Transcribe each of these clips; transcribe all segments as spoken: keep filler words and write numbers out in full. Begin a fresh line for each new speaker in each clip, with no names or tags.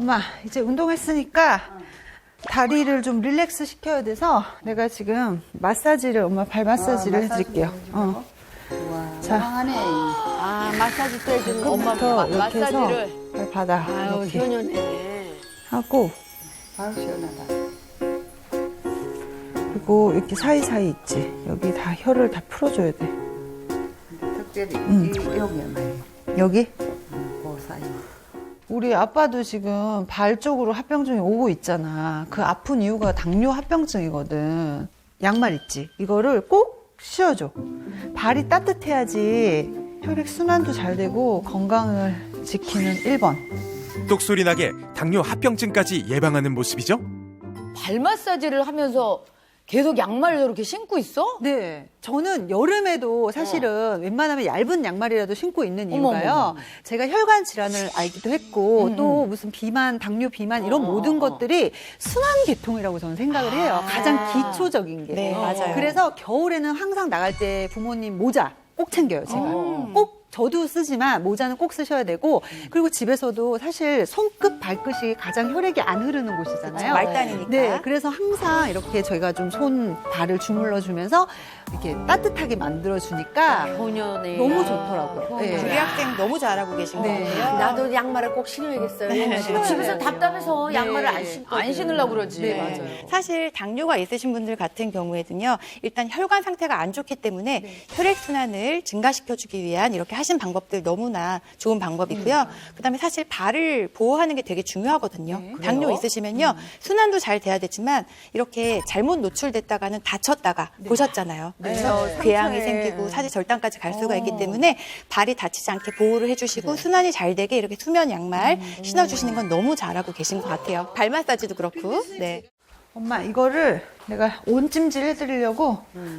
엄마 이제 운동했으니까 다리를 좀 릴렉스 시켜야 돼서 내가 지금 마사지를 엄마 발 마사지를
아, 마사지
해드릴게요. 어.
와,
자.
하네.
아, 마사지 또 해주는 엄마
끝부터
마,
이렇게 해서
마사지를.
발 바닥
아유,
이렇게
효녀네.
하고
아우, 시원하다.
그리고 이렇게 사이사이 있지. 여기 다 혀를 다 풀어줘야 돼.
특별히
음.
이 여기만
여기?
그 사이.
우리 아빠도 지금 발 쪽으로 합병증이 오고 있잖아. 그 아픈 이유가 당뇨 합병증이거든. 양말 있지? 이거를 꼭 씌워줘. 발이 따뜻해야지 혈액순환도 잘 되고 건강을 지키는 일 번.
똑소리 나게 당뇨 합병증까지 예방하는 모습이죠.
발 마사지를 하면서 계속 양말을 저렇게 신고 있어?
네. 저는 여름에도 사실은 웬만하면 얇은 양말이라도 신고 있는 이유가요.
어머, 어머, 어머.
제가 혈관 질환을 알기도 했고
음,
또 무슨 비만, 당뇨 비만 이런
어,
모든
어, 어.
것들이 순환계통이라고 저는 생각을 해요.
아.
가장 기초적인 게.
네, 맞아요.
그래서 겨울에는 항상 나갈 때 부모님 모자 꼭 챙겨요, 제가.
어.
꼭 저도 쓰지만 모자는 꼭 쓰셔야 되고 그리고 집에서도 사실 손끝, 발끝이 가장 혈액이 안 흐르는 곳이잖아요.
말단이니까.
네, 그래서 항상 이렇게 저희가 좀 손, 발을 주물러 주면서 이렇게 따뜻하게 만들어 주니까
효녀네.
너무 좋더라고요.
네.
우리
네.
학생 너무 잘하고 계신
네.
것 같아요.
나도 양말을 꼭 신어야겠어요. 집에서 답답해서 양말을 안 신고 안 신으려고 그러지.
네, 맞아요.
사실 당뇨가 있으신 분들 같은 경우에는요, 일단 혈관 상태가 안 좋기 때문에 혈액 순환을 증가시켜주기 위한 이렇게 하신 방법들 너무나 좋은 방법이고요. 그다음에 사실 발을 보호하는 게 되게 중요하거든요. 당뇨 있으시면요, 순환도 잘 돼야 되지만 이렇게 잘못 노출됐다가는 다쳤다가 보셨잖아요. 그래서 궤양이 생기고 사지 절단까지 갈 수가 있기 때문에 발이 다치지 않게 보호를 해주시고 순환이 잘 되게 이렇게 수면 양말 신어주시는 건 너무 잘하고 계신 것 같아요. 발 마사지도 그렇고. 네.
엄마 이거를 내가 온찜질 해드리려고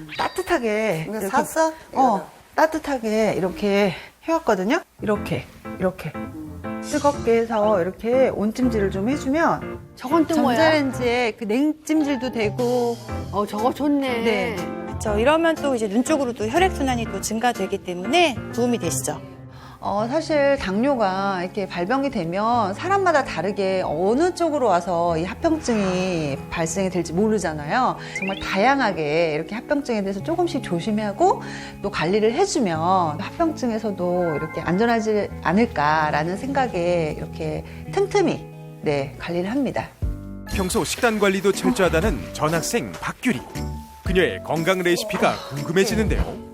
따뜻하게
이거
이렇게,
샀어?
어, 따뜻하게 이렇게 해왔거든요. 이렇게 이렇게 뜨겁게 해서 이렇게 온찜질을 좀 해주면
저건 또 뭐야?
전자레인지에 그 냉찜질도 되고
어, 저거 좋네.
네.
그렇죠. 이러면 또 이제 눈 쪽으로도 혈액 순환이 또 증가되기 때문에 도움이 되시죠.
어, 사실 당뇨가 이렇게 발병이 되면 사람마다 다르게 어느 쪽으로 와서 이 합병증이 발생이 될지 모르잖아요. 정말 다양하게 이렇게 합병증에 대해서 조금씩 조심하고 또 관리를 해주면 합병증에서도 이렇게 안전하지 않을까라는 생각에 이렇게 틈틈이 네, 관리를 합니다.
평소 식단 관리도 철저하다는 전학생 박규리. 그녀의 건강 레시피가 궁금해지는데요.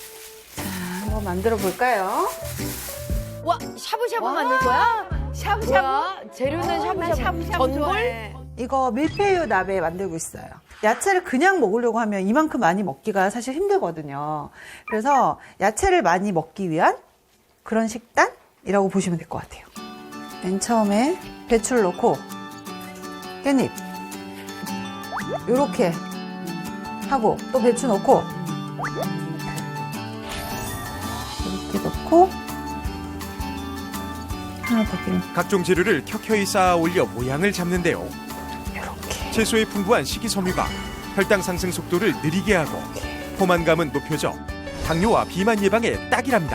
한번 만들어 볼까요?
와, 샤브샤브 만들 거야? 샤브샤브? 재료는 샤브샤브. 전골?
이거 밀푀유 나베 만들고 있어요. 야채를 그냥 먹으려고 하면 이만큼 많이 먹기가 사실 힘들거든요. 그래서 야채를 많이 먹기 위한 그런 식단이라고 보시면 될 것 같아요. 맨 처음에 배추를 넣고 깻잎 이렇게 하고 또 배추 넣고 이렇게 넣고 하나 더 끼면
각종 재료를 켜켜이 쌓아 올려 모양을 잡는데요.
이렇게
채소의 풍부한 식이섬유가 혈당 상승 속도를 느리게 하고 포만감은 높여져 당뇨와 비만 예방에 딱이랍니다.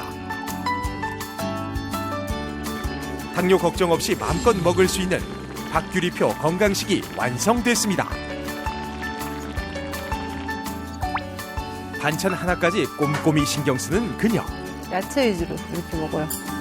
당뇨 걱정 없이 마음껏 먹을 수 있는 박규리표 건강식이 완성됐습니다. 반찬 하나까지 꼼꼼히 신경 쓰는 그녀.
야채 위주로 이렇게 먹어요.